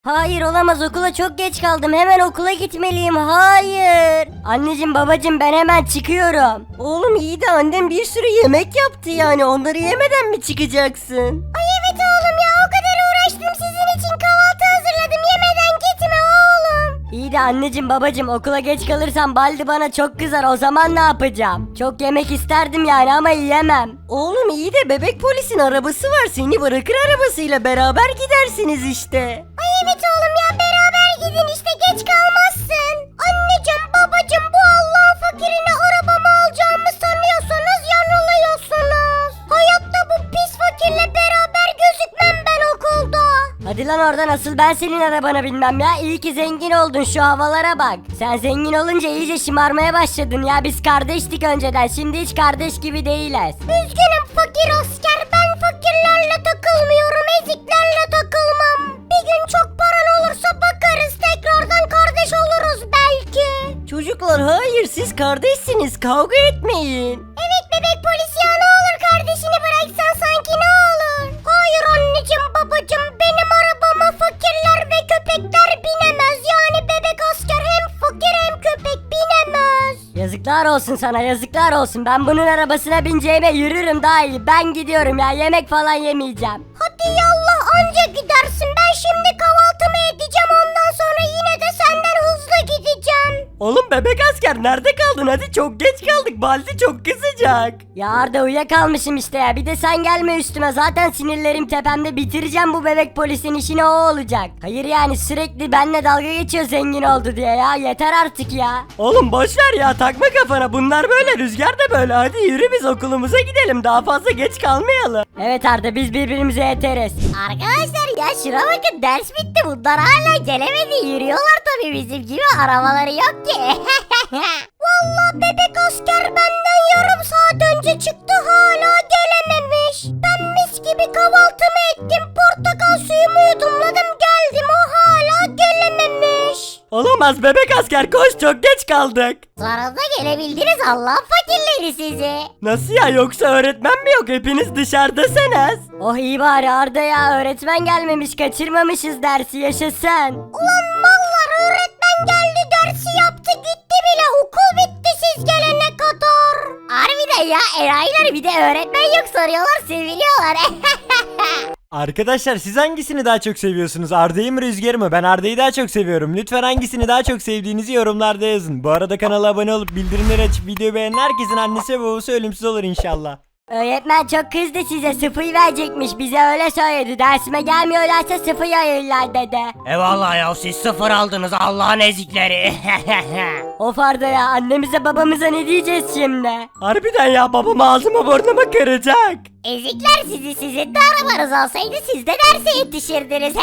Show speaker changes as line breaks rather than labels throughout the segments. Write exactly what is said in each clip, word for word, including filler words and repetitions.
Hayır olamaz, okula çok geç kaldım, hemen okula gitmeliyim. Hayır. Anneciğim babacığım, ben hemen çıkıyorum. Oğlum iyi de annem bir sürü yemek yaptı, yani onları yemeden mi çıkacaksın?
Ay evet oğlum ya, o kadar uğraştım sizin için, kahvaltı hazırladım, yemeden gitme oğlum.
İyi de anneciğim babacığım, okula geç kalırsam Baldi bana çok kızar, o zaman ne yapacağım? Çok yemek isterdim yani ama yiyemem. Oğlum iyi de bebek polisin arabası var, seni bırakır arabasıyla, beraber gidersiniz işte.
Ay evet oğlum ya, beraber gidin işte, geç kalmazsın. Anneciğim babacığım, bu Allah'ın fakirine arabamı alacağımı sanıyorsanız yanılıyorsunuz. Hayatta bu pis fakirle beraber gözükmem ben okulda.
Hadi lan oradan, asıl ben senin arabana binmem ya. İyi ki zengin oldun, şu havalara bak. Sen zengin olunca iyice şımarmaya başladın ya. Biz kardeştik önceden, şimdi hiç kardeş gibi değiliz.
Üzgünüm fakir asker, ben fakirlerle takılmıyorum, eziklerle takılmam. Bir gün çok paran olursa bakarız, tekrardan kardeş oluruz belki.
Çocuklar hayır, siz kardeşsiniz, kavga etmeyin.
Evet bebek polis ya, ne olur kardeşini bıraksan sanki, ne olur. Hayır anneciğim babacığım, benim arabama fakirler ve köpekler binemez. Yani bebek asker hem fakir hem köpek binemez.
Yazıklar olsun sana, yazıklar olsun. Ben bunun arabasına bineceğime yürürüm daha iyi. Ben gidiyorum ya, yemek falan yemeyeceğim.
Hadi yallah, anca gidersin. Ben şimdi kahvaltımı edeceğim, ondan sonra yine de senden hızlı gideceğim.
Oğlum bebek asker nerede kaldın? Hadi çok geç kaldık, Baldi çok kızacak. Ya Arda uyuyakalmışım işte ya, bir de sen gelme üstüme, zaten sinirlerim tepemde, bitireceğim bu bebek polisin işini, o olacak. Hayır yani sürekli benimle dalga geçiyor zengin oldu diye ya, yeter artık ya. Oğlum boşver ya, takma kafana, bunlar böyle, Rüzgar da böyle, hadi yürü biz okulumuza gidelim, daha fazla geç kalmayalım. Evet Arda, biz birbirimize yeteriz.
Arkadaşlar ya şuna bakın, ders bitti, bunlar hala gelemedi, yürüyorlar tabii, bizim gibi arabaları yok ki. Vallahi bebek asker benden yarım saat önce çıktı, hala gelememiş. Ben mis gibi kahvaltımı ettim, portakal suyumu yudumladım, geldim, o hala gelememiş.
Olamaz bebek asker, koş, çok geç kaldık.
Sonunda gelebildiniz, Allah'ın fakirleri sizi.
Nasıl ya, yoksa öğretmen mi yok, hepiniz dışarıdasınız? Oh iyi bari Arda ya, öğretmen gelmemiş, kaçırmamışız dersi, yaşasın.
Ulan mallar, öğretmen geldi, dersi yaptı gitti bile, okul bitti siz gelene kadar. Harbiden ya, enayiler, bir de öğretmen yok soruyorlar, seviliyorlar.
Arkadaşlar siz hangisini daha çok seviyorsunuz? Arda'yı mı Rüzgar'ı mı? Ben Arda'yı daha çok seviyorum. Lütfen hangisini daha çok sevdiğinizi yorumlarda yazın. Bu arada kanala abone olup bildirimleri açıp videoyu beğenen herkesin annesi ve babası ölümsüz olur inşallah.
Öğretmen çok kızdı size, sıfır verecekmiş, bize öyle söyledi. Dersime gelmiyorlarsa sıfır ayırırlar dedi.
Eyvallah ya, siz sıfır aldınız Allah'ın ezikleri.
Of Arda ya, annemize babamıza ne diyeceğiz şimdi?
Harbiden ya, babam ağzıma burnumu kıracak.
Ezikler sizi, sizin de arabanız olsaydı siz de derse yetişirdiniz.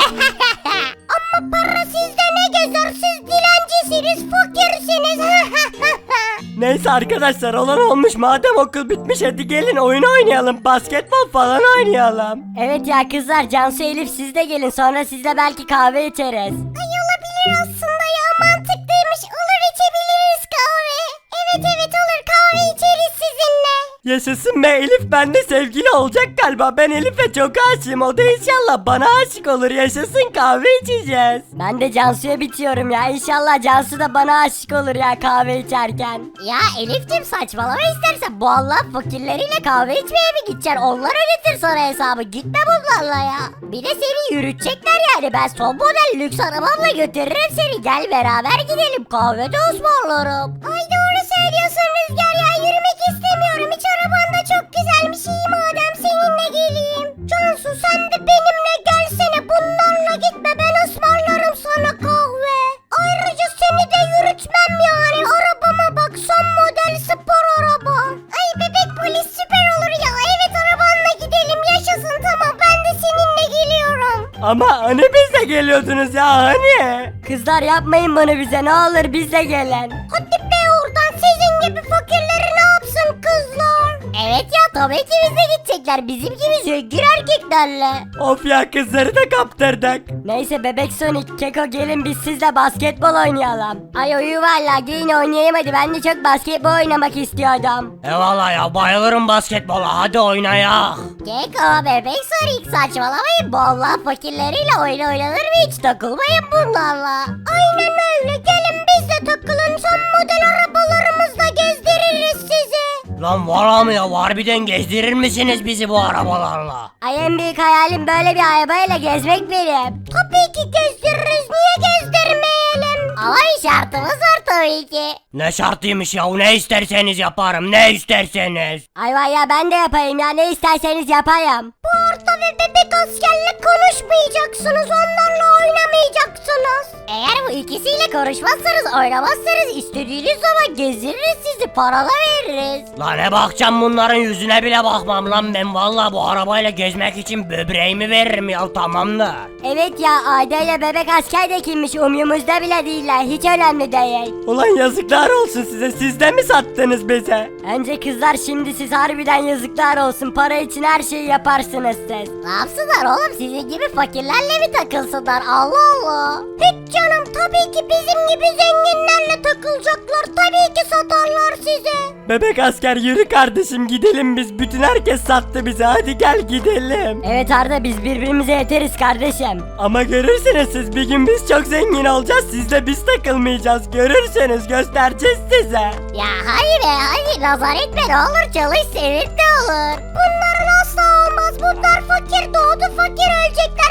Ama para sizde ne gezer, siz dilencisiniz, fakirsiniz.
Neyse arkadaşlar, olan olmuş, madem okul bitmiş hadi gelin oyun oynayalım, basketbol falan oynayalım.
Evet ya kızlar, Cansu, Elif siz de gelin, sonra sizle belki kahve içeriz.
Ay olabilir aslında ya, mantıklıymış, olur içebiliriz kahve. Evet evet olur, kahve içeriz sizinle.
Yaşasın be, Elif bende sevgili olacak galiba, ben Elif'e çok aşığım, o da inşallah bana aşık olur, yaşasın, kahve içeceğiz.
Ben de Cansu'ya bitiyorum ya, İnşallah Cansu da bana aşık olur ya kahve içerken.
Ya Elif'cim saçmalama istersen, bu Allah fakirleriyle kahve içmeye mi gideceksin? Onlar ödetir sana hesabı, gitme bunlarla ya. Bir de seni yürütecekler yani, ben son model lüks arabamla götürürüm seni, gel beraber gidelim, kahve de ısmarlarım. Ay doğru söylüyorsun Rüzgar ya, yürümek istemiyorum, hiç arabanda çok güzelmiş, iyi madem seninle geleyim. Cansu sen de benimle gelsene, bunlarla gitme, ben ısmarlarım sana kahve. Ayrıca seni de yürütmem yani, arabama bak, son model spor araba. Ay bebek polis süper olur ya, evet arabanla gidelim, yaşasın, tamam ben de seninle geliyorum.
Ama hani biz de geliyordunuz ya, hani?
Kızlar yapmayın bunu bize, ne olur bize gelin.
Hadi be oradan, sizin gibi fakirleri ne yapsın kızlar? Evet ya tabii ki bizle gidecekler. Bizim gibi zengin erkeklerle.
Of ya kızları da kaptırdık. Neyse bebek Sonic, Keko gelin biz sizle basketbol oynayalım. Ay uyu valla gelin oynayayım hadi ben de çok basketbol oynamak istiyordum.
Eyvallah ya bayılırım basketbola hadi oynayak.
Keko bebek Sonic saçmalamayın. Vallahi fakirleriyle oyun oynanır mı hiç takılmayın bunlarla. Aynen öyle gelin biz de takılın. Son model arabalarımızla gezdiririz sizi.
Lan valla mı ya harbiden gezdirir misiniz bizi bu arabalarla?
Ay en büyük hayalim böyle bir arabayla gezmek benim.
Tabii ki gezdiririz. Niye gezdirmeyelim? Ama bir şartımız var tabii ki.
Ne şartıymış ya ne isterseniz yaparım ne isterseniz.
Ay vay ya ben de yapayım ya ne isterseniz yapayım.
Bu Arda ve bebek askerle konuşmayacaksınız. Onlarla oynamayacaksınız. Eğer bu ikisiyle konuşmazsanız oynamazsanız istediğiniz zaman gezdiririz sizi. Paralar veririz.
Lan ne bakacağım bunların yüzüne bile bakmam lan ben valla bu arabayla gezmek için böbreğimi veririm ya tamamdır.
Evet ya Ayda ile bebek asker de kimmiş umyumuzda bile değiller hiç önemli değil.
Ulan yazıklar olsun size, siz de mi sattınız bize?
Önce kızlar şimdi siz harbiden yazıklar olsun para için her şeyi yaparsınız siz.
Ne yapsınlar oğlum sizin gibi fakirlerle mi takılsınlar Allah Allah. Hiç canım tabii ki bizim gibi zenginlerle takılacaklar. Tabii ki satarlar sizi.
Bebek asker yürü kardeşim gidelim biz, bütün herkes sattı bize, hadi gel gidelim.
Evet Arda biz birbirimize yeteriz kardeşim.
Ama görürsünüz siz, bir gün biz çok zengin olacağız, sizle biz takılmayacağız, görürsünüz, göstereceğiz size.
Ya hadi be hadi nazar etme ne olur çalış senin de olur. Bunların asla olmaz bunlar fakir doğdu fakir ölecekler.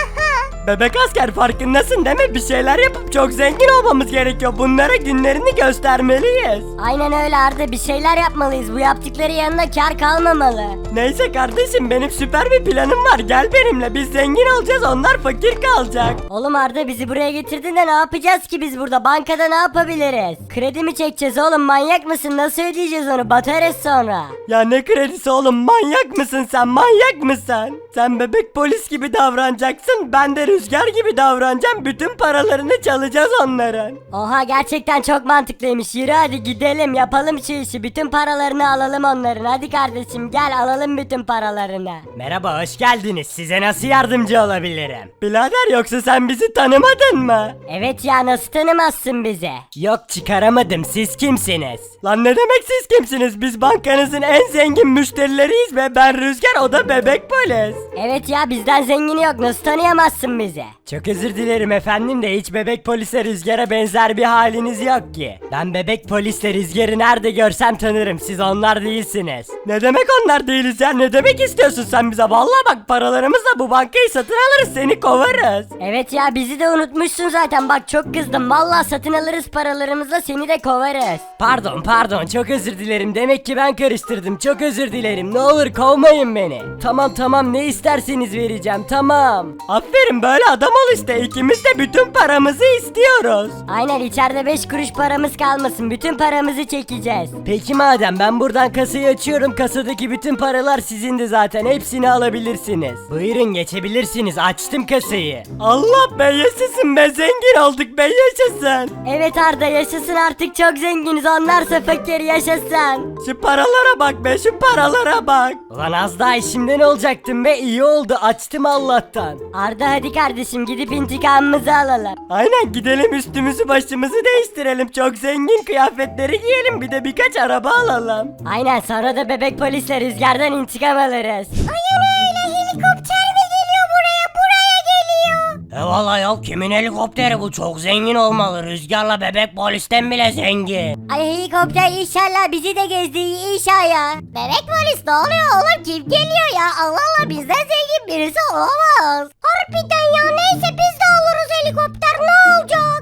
Bebek asker farkındasın değil mi? Bir şeyler yapıp çok zengin olmamız gerekiyor. Bunlara günlerini göstermeliyiz.
Aynen öyle Arda bir şeyler yapmalıyız bu yaptıkları yanında kar kalmamalı.
Neyse kardeşim benim süper bir planım var. Gel benimle, biz zengin olacağız, onlar fakir kalacak.
Oğlum Arda bizi buraya getirdin de ne yapacağız ki biz burada bankada ne yapabiliriz? Kredi mi çekeceğiz oğlum manyak mısın nasıl ödeyeceğiz onu batarız sonra.
Ya ne kredisi oğlum, manyak mısın sen, manyak mısın? Sen bebek polis gibi davranacaksın, ben de rüzgar gibi davranacağım, bütün paralarını çalacağız onların.
Oha gerçekten çok mantıklıymış yürü hadi gidelim yapalım şu işi bütün paralarını alalım onların hadi kardeşim gel alalım bütün paralarını.
Merhaba, hoş geldiniz, size nasıl yardımcı olabilirim? Birader yoksa sen bizi tanımadın mı?
Evet ya nasıl tanımazsın bizi?
Yok çıkaramadım, siz kimsiniz? Lan ne demek siz kimsiniz? Biz bankanızın en zengin müşterileriyiz ve ben Rüzgar, o da bebek polis.
Evet ya bizden zengini yok nasıl tanıyamazsın bizi?
Çok özür dilerim efendim de hiç bebek polise Rüzgar'a benzer bir haliniz yok ki. Ben bebek polisle Rüzgar'ı nerede görsem tanırım, siz onlar değilsiniz. Ne demek onlar değiliz ya, ne demek istiyorsun sen bize? Vallahi bak paralarımızla bu bankayı satın alırız, seni kovarız.
Evet ya bizi de unutmuşsun zaten bak çok kızdım vallahi satın alırız paralarımızla seni de kovarız.
Pardon pardon çok özür dilerim, demek ki ben karıştırdım, çok özür dilerim, ne olur kovmayın beni. Tamam tamam ne isterseniz vereceğim, tamam. Aferin böyle adam ol işte, ikimiz de bütün paramızı istiyoruz.
Aynen içeride beş kuruş paramız kalmasın bütün paramızı çekeceğiz.
Peki madem ben buradan kasayı açıyorum, kasadaki bütün paralar sizin de zaten, hepsini alabilirsiniz. Buyurun geçebilirsiniz, açtım kasayı. Allah be yaşasın be, zengin olduk be yaşasın.
Evet Arda yaşasın artık çok zenginiz onlarsa fakir yaşasın.
Şu paralara bak be, şu paralara bak. Ulan az daha işimden olacaktım be, iyi oldu açtım Allah'tan.
Arda hadi kardeşim gidip intikamımızı alalım.
Aynen gidelim, üstümüzü başımızı değiştirelim, çok zengin kıyafetleri giyelim, bir de birkaç araba alalım.
Aynen sonra da bebek polisle Rüzgar'dan intikam alırız.
Aynen öyle helikopter mi geliyor buraya buraya geliyor.
Eyvallah ya kimin helikopteri bu çok zengin olmalı Rüzgar'la bebek polisten bile zengin.
Ay helikopter inşallah bizi de gezdiği inşallah.
Bebek polis ne oluyor oğlum kim geliyor ya Allah Allah bizden zengin birisi olamaz. Harbiden ya neyse biz de alırız helikopter ne olacak?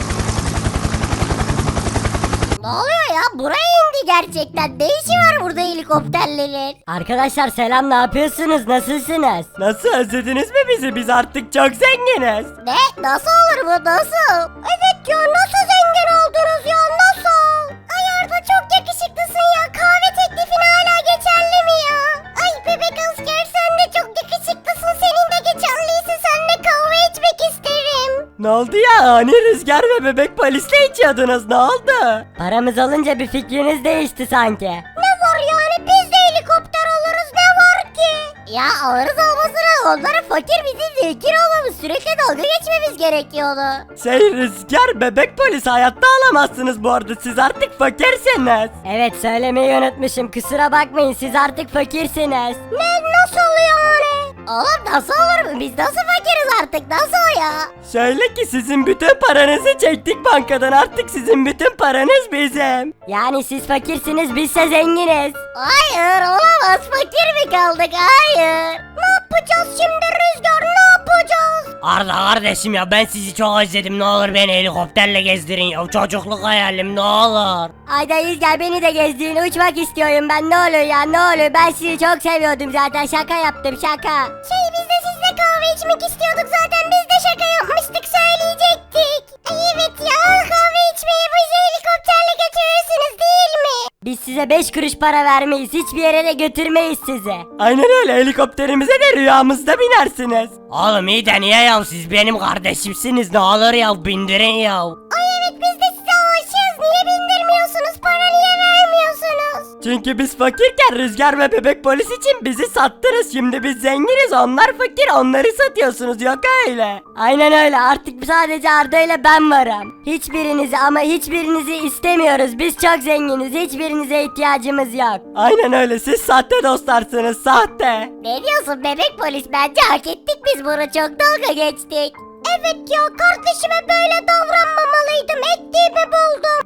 Ne oluyor ya buraya indi gerçekten ne işi var burada helikopterlerin?
Arkadaşlar selam ne yapıyorsunuz nasılsınız?
Nasıl, özlediniz mi bizi? Biz artık çok zenginiz.
Ne? Nasıl olur bu nasıl? Evet ya nasıl zengin oldunuz ya nasıl? Ay Arda çok yakışıklısın ya kahve teklifin hala geçerli mi ya? Ay bebek asker sen de çok yakışıklısın senin de geçerliyse seninle kahve içmek isterim.
Ne oldu ya, ani Rüzgar ve bebek polisle içiyordunuz, ne oldu?
Paramız olunca bir fikriniz değişti sanki.
Ne var yani biz de Ya alırız olmasına onların fakir bizim zengin olmamız sürekli dalga geçmemiz gerekiyordu.
Şey Rüzgar bebek polis hayatta alamazsınız bu arada siz artık fakirsiniz. Evet söylemeyi unutmuşum kusura bakmayın siz artık fakirsiniz.
Ne nasıl oluyor öyle? Oğlum nasıl olur mu? Biz nasıl fakiriz artık nasıl ya?
Şöyle ki sizin bütün paranızı çektik bankadan artık sizin bütün paranız bizim. Yani siz fakirsiniz bizse zenginiz.
Hayır olamaz fakir mi kaldık hayır. Ne yapacağız şimdi Rüzgar ne yapacağız?
Arda kardeşim ya ben sizi çok özledim ne olur beni helikopterle gezdirin ya çocukluk hayalim ne olur.
Ayda Rüzgar beni de gezdirin uçmak istiyorum ben ne olur ya ne olur ben sizi çok seviyordum zaten şaka yaptım şaka.
Şey biz de sizle kahve içmek istiyorduk zaten biz de şaka yapmıştık söyleyecektik. Ay evet ya kahve içmeye bizi helikopterle götürürsünüz değil mi?
Biz size beş kuruş para vermeyiz hiçbir yere de götürmeyiz sizi. Aynen öyle helikopterimize de rüyamızda binersiniz.
Oğlum iyi de niye ya siz benim kardeşimsiniz ne olur ya bindirin ya.
Ay evet biz de size aşığız niye bindirmiyorsunuz para niye vermiyorsunuz?
Çünkü biz fakirken Rüzgar ve bebek polis için bizi sattınız. Şimdi biz zenginiz onlar fakir onları satıyorsunuz yok öyle. Aynen öyle artık sadece Arda ile ben varım. Hiçbirinizi ama hiçbirinizi istemiyoruz. Biz çok zenginiz hiçbirinize ihtiyacımız yok. Aynen öyle siz sahte dostlarsınız sahte.
Ne diyorsun bebek polis bence hak ettik biz bunu çok dalga geçtik. Evet ya kardeşime böyle davranmamalıydım ettiğimi buldum.